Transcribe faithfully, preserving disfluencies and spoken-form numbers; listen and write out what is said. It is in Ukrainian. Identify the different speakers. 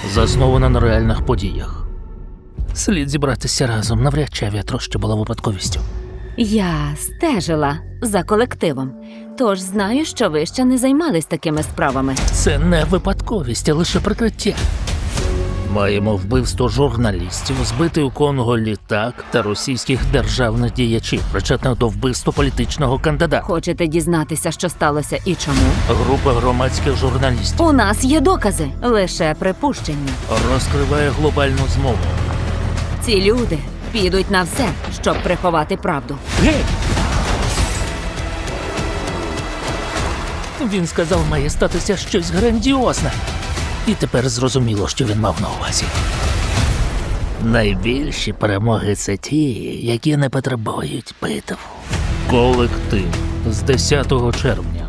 Speaker 1: заснована на реальних подіях. Слід зібратися разом, навряд чи авіатроща була випадковістю.
Speaker 2: Я стежила за колективом, тож знаю, що ви ще не займались такими справами.
Speaker 1: Це не випадковість, а лише прикриття. Маємо вбивство журналістів, збитий у Конго літак та російських державних діячів, причетних до вбивства політичного кандидата.
Speaker 2: Хочете дізнатися, що сталося і чому?
Speaker 1: Група громадських журналістів
Speaker 2: У нас є докази, лише припущення.
Speaker 1: розкриває глобальну змову.
Speaker 2: Ці люди підуть на все, щоб приховати правду.
Speaker 1: Гей! Він сказав, має статися щось грандіозне. І тепер зрозуміло, що він мав на увазі. Найбільші перемоги – це ті, які не потребують битв. Колектив з десятого червня.